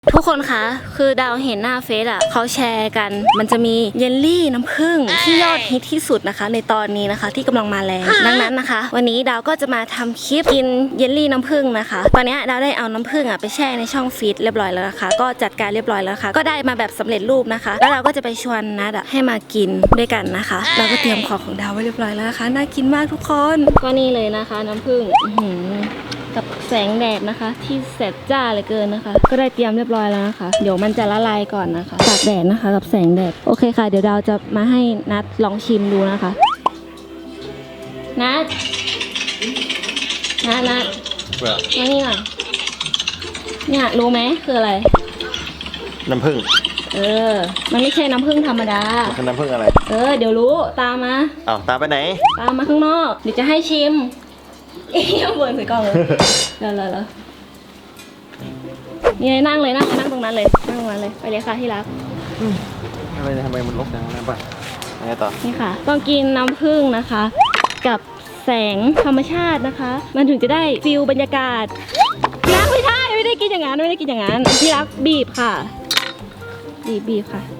ทุกคนคะคือดาวเห็นหน้าเฟซอ่ะเขาแชร์กันมันจะมีเยลลี่น้ำผึ้งที่ยอดฮิตที่สุดนะคะในตอนนี้นะคะที่กำลังมาแรงดังนั้นนะคะ วันนี้ดาวก็จะมาทำคลิปกินเยลลี่น้ำผึ้งนะคะตอนนี้ดาวได้เอาน้ำผึ้งอ่ะไปแช่ในช่องฟรีซเรียบร้อยแล้วนะคะก็จัดการเรียบร้อยแล้วค่ะก็ได้มาแบบสำเร็จรูปนะคะแล้วเราก็จะไปชวนนัดให้มากินด้วยกันนะคะเราก็เตรียมของดาวไว้เรียบร้อยแล้วนะคะน่ากินมากทุกคนก็นี่เลยนะคะน้ำผึ้งกับแสงแดดนะคะที่แสบจ้าเหลือเกินนะคะก็ได้เตรียมเรียบร้อยแล้วนะคะเดี๋ยวมันจะละลายก่อนนะคะตากแดดนะคะกับแสงแดดโอเคค่ะเดี๋ยวดาวจะมาให้นัดลองชิมดูนะคะนัดมานี่หน่อยเนี่ยรู้ไหมคืออะไรน้ำผึ้งมันไม่ใช่น้ำผึ้งธรรมดามันคือน้ำผึ้งอะไรเดี๋ยวรู้ตามมาตามไปไหนตามมาข้างนอกเดี๋ยวจะให้ชิมยังบ่นใส่กล้องเลยแล้วนี่นั่งเลยนั่งตรงนั้นเลยนั่งตรงนั้นเลยไปเลยค่ะที่รักทำไมมันลกจังนะป่ะไงต่อนี่ค่ะต้องกินน้ำผึ้งนะคะกับแสงธรรมชาตินะคะมันถึงจะได้ฟิลบรรยากาศที่รักไม่ได้กินอย่างนั้นที่รักบีบค่ะบีบค่ะ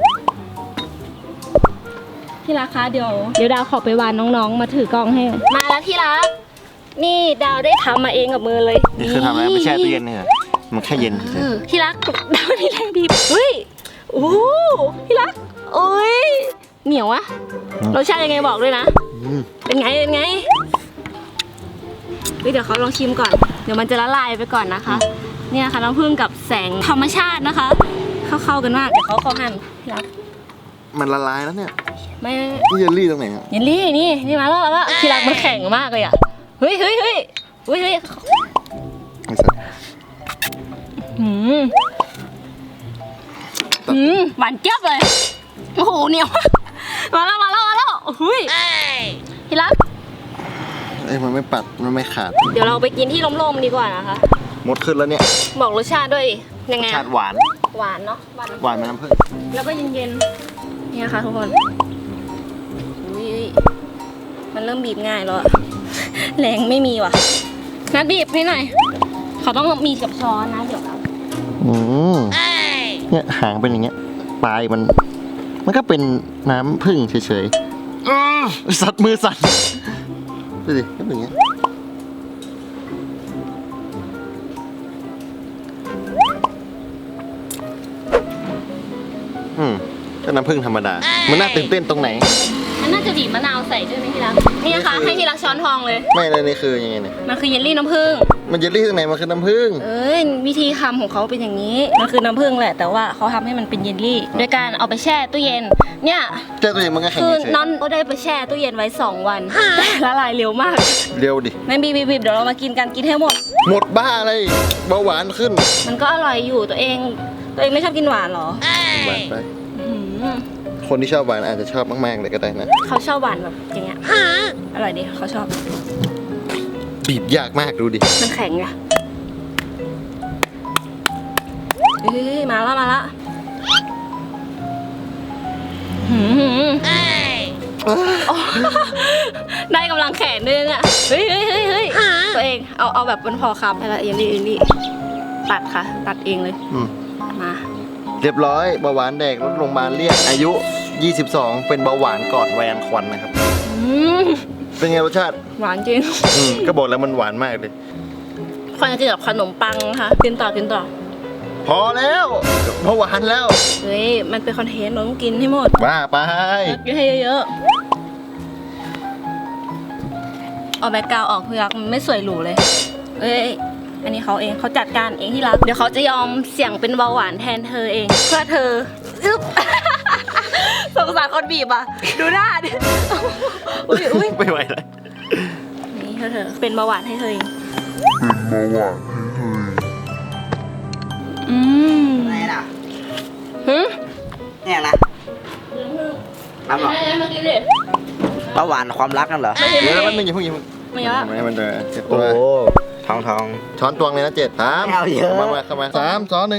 ที่รักคะเดี๋ยวดาวขอไปวานน้องๆมาถือกล้องให้มาแล้วที่รักนี่ดาวได้ทำมาเองกับมือเลยนี่คือทำอะไรไม่แช่ตู้เย็นเนี่ยมันแค่เย็นที่รักดาวมีแรงบีบเฮ้ยโอ้ที่รักโอ้ยเหนียวอะรสชาติยังไงบอกด้วยนะเป็นไงเดี๋ยวเขาลองชิมก่อนเดี๋ยวมันจะละลายไปก่อนนะคะเนี่ยค่ะน้ำผึ้งกับแสงธรรมชาตินะคะเข้ากันมากเดี๋ยวเขาหั่นที่รักมันละลายแล้วเนี่ยไม่เยลลี่ตรงไหนเยลลี่นี่มาแล้วที่รักมันแข็งมากเลยอะเฮ้ยหวานเจี๊ยบเลยโอ้โหเหนียวมาแล้วเฮ้ยที่รักมันไม่ปัดมันไม่ขาดเดี๋ยวเราไปกินที่ร่มๆดีกว่านะคะหมดขึ้นแล้วเนี่ยบอกรสชาติด้วยยังไงรสชาติหวานเนาะหวานมันน้ำผึ้งแล้วก็เย็นๆนี่ค่ะทุกคนมันเริ่มบีบง่ายแล้วแรงไม่มีว่ะนัดบีบให้หน่อยเขาต้องมีกับช้อนนะเดี๋ยวเราเนี่ยหางเป็นอย่างเงี้ยปลายมันก็เป็นน้ำผึ้งเฉยๆสัตว์มือสั่นดูดิก็เป็นอย่างเงี้ยก็น้ำผึ้งธรรมดามันน่าตื่นเต้นตรงไหนมันน่าจะบีบมะนาวใส่ด้วยไหมที่รักนี่นะคะให้ที่รักช้อนทองเลยไม่เลยนี่คือยังไงเนี่ยมันคือเยลลี่น้ำผึ้งมันเยลลี่ตรงไหนมันคือน้ำผึ้งวิธีทำของเขาเป็นอย่างนี้มันคือน้ำผึ้งแหละแต่ว่าเขาทำให้มันเป็นเยลลี่โดยการเอาไปแช่ตู้เย็นเนี่ยแช่ตู้เย็นมันก็แข็งคือน้องก็ได้ไปแช่ตู้เย็นไว้2 วันละลายเร็วมากเร็วดิไม่บีบเดี๋ยวเรามากินกันกินให้หมดบ้าอะไรเบาหวานขึ้นมันก็อร่อยอยู่ตัวเองไม่ชอบกินหวานหรอหวานไปคนที่ชอบหวานอาจจะชอบมากๆเลยก็ได้นะเขาชอบหวานแบบอย่างเงี้ยอร่อยดีเขาชอบบีบยากมากดูดิมันแข็งไงมาแล้วได้กำลังแขนด้วยเนี่ยเฮ้ยตัวเองเอาแบบมันพอคำอะไรอย่างนี้ตัดค่ะตัดเองเลยมาเรียบร้อยเบาหวานแดกรถโรงพยาบาลเรียกอายุ22เป็นเบาหวานก่อนวัยอันควรนะครับเป็นไงรสชาติหวานจริงก็บอกแล้วมันหวานมากเลยควรจะกินกับขนมปังค่ะกินต่อพอแล้วเบาหวานแล้วเฮ้ยมันเป็นคอนเทนต์เราต้องกินให้หมดบ้าไปกินให้เยอะๆเอาแบ็คกราวด์ออกเพื่อมันไม่สวยหรูเลยอันนี้เขาจัดการเองที่รักเดี๋ยวเขาจะยอมเสี่ยงเป็นเบาหวานแทนเธอเองเพื่อเธอสงสารคนบีบอ่ะดูหน้าดิอุ้ยไม่ไหวเลยนี่เธอเป็นเบาหวานให้เธอเองอะไรล่ะเนี่ยนะน้ำหรอเบาหวานความรักนั่นเหรอเดี๋ยวมันอย่าเพิ่งไม่เยอะให้มันเจอโอ้ทองช้อนตวงเลยนะ7 3เข้ามา3 2 1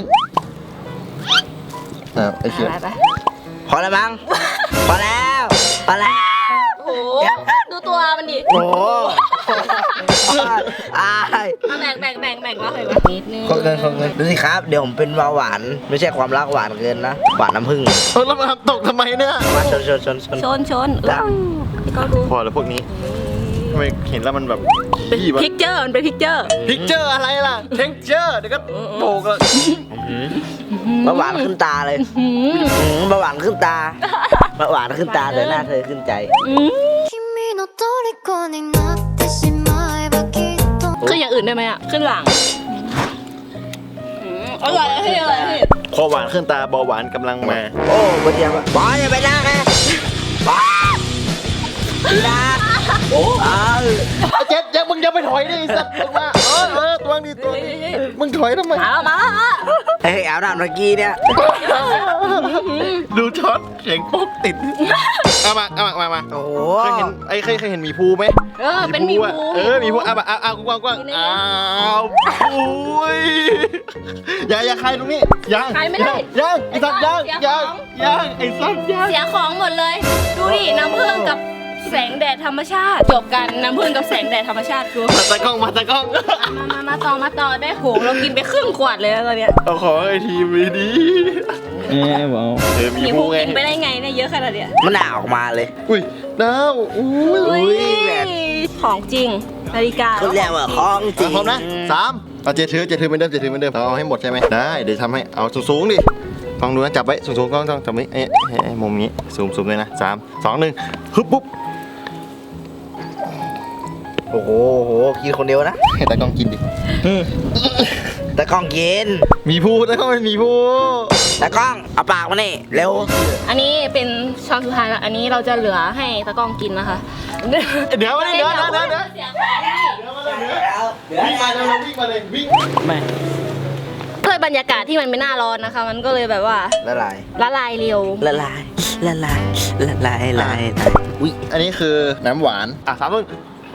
ไอ้เชี่ยพอแล้วมั้งพอแล้วโอ้ดูตัวมันดิโอ้อายเอาแบ่งมาเลยนิดนึงขอเงินดูสิครับเดี๋ยวผมเป็นเบาหวานไม่ใช่ความรักหวานเกินนะหวานน้ำผึ้งแล้วมันตกทำไมเนี่ยมาชนชนก็ดูพอแล้วพวกนี้ทำไมเห็นแล้วมันแบบขี้วะพิกเจอร์มันเป็นพิกเจอร์พิกเจอร์อะไรล่ะเท็กเจอร์เดี๋ยวก็โบกแล้วเบาหวานขึ้นตาเลยเบาหวานขึ้นตาเบาหวานขึ้นตาเลยหน้าเธอขึ้นใจ君の虜になってしまえばきっとขึ้นอย่างอื่นได้ไหมอ่ะขึ้นหลังอร่อยพี่อร่อยพี่พอหวานขึ้นตาเบาหวานกำลังมาโอ้บนเดียวบอลอย่าไปหน้าแกบอลพี่ดาโอ้เจ๊มึงอย่าไปถอยดิไอ้สัตว์ลงมาตัวนี้ตัวนี้มึงถอยทำไมมาเฮ้ยเอาหน้าเมื่อกี้เนี่ยดูช็อตเสียงปุ๊บติดเอามาโอ้โหเคยเห็นหมีภูไหมเป็นมีอะภูหมีภูเอากว้างอ้าวโอ้ยอย่าใครตรงนี้ยังไอ้สัตว์ยังไอ้สัตว์ยังเสียของหมดเลยดูดิน้ำผึ้งกับแสงแดดธรรมชาติจบกันน้ำผึ้งกับแสงแดดธรรมชาติกูมาตะกล้องมาต่อได้โหเรากินไปครึ่งขวดเลยตอนเนี้ยเอาขอไอทีมดีบอกมีมีภูภูไงกินไปได้ไงเนี่ยเยอะขนาดเนี้ยมันหนาออกมาเลยอุ้ยดาวอุ้ยอุ้ยแบบของจริงนาฬิกาเขาเรียกว่าของจริงพร้อมนะ3เอาเจถือเหมือนเดิมเอาให้หมดใช่ไหมได้เดี๋ยวทำให้เอาสูงดิลองดูนะจับไว้สูงก็ต้องจับไว้มุมนี้ซูมเลยนะ3 2 1ฮึบปุ๊บโอ้โหกินคนเดียวนะให้ตากล้องกินดิแต่กล้องกินมีภูตากล้องเป็นมีภูแต่กล้องเอาปากมานี่เร็วอันนี้เป็นช้อนสุดท้ายแล้วอันนี้เราจะเหลือให้ตะกล้องกินนะคะเดี๋ยวมาเลยเดี๋ยวเสียของดิวิ่งมาเลยวิ่งมาเลยวิ่งไม่ด้วยบรรยากาศที่มันไม่น่าร้อนนะคะ มันก็เลยแบบว่าละลายละลายเร็วละลายอุ้ยอันนี้คือน้ำหวาน3ต้น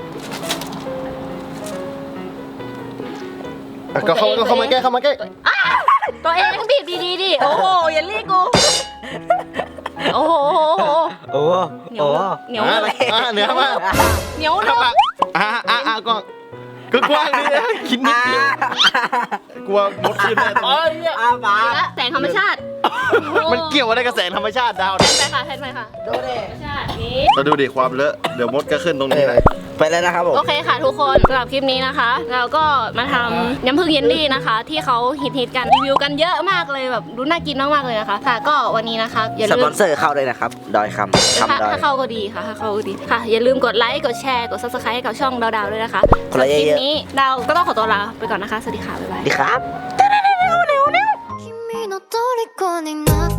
ก็เข้ามาใกล้ตัวเองบีบดีๆดิโอ้โหอย่าเรียกกูโอ้โหโอ้เหนียวเหนียวเหนือมาเหนียวครัเนาะบก็กว้างนี่นะคิดนิดเดียวกลัวมดขึ้นแน่อาปากแสงธรรมชาติมันเกี่ยวอะไรกับแสงธรรมชาติดาวแทนไปค่ะแทนไปค่ะดูดิธรรมชาตินี้เราดูดิความเลอะเดี๋ยวมดก็ขึ้นตรงนี้เลยไปแล้วนะครับผมโอเคค่ะทุกคนสำหรับคลิปนี้นะคะ เราก็มาทำน้ำผึ้งเยลลี่นะคะ ที่เขาฮิตกันรีวิวกันเยอะมากเลยแบบดูน่ากินมากๆเลยนะคะค่ะก็วันนี้นะคะอย่าสลืปมอนเซอร์เข้าเลยนะครับดอยคำดอยถ้าเข้าก็ดีค่ะถ้าเข้าก็ดีค่ะ อย่าลืมกดไลค์กดแชร์กด subscribe ให้กับช่องดาวๆด้วยนะคะคนละเยอะๆคลิปนี้ดาวก็ต้องขอตัวลาไปก่อนนะคะสวัสดีค่ะบ๊ายบายดีครับ君の虜になって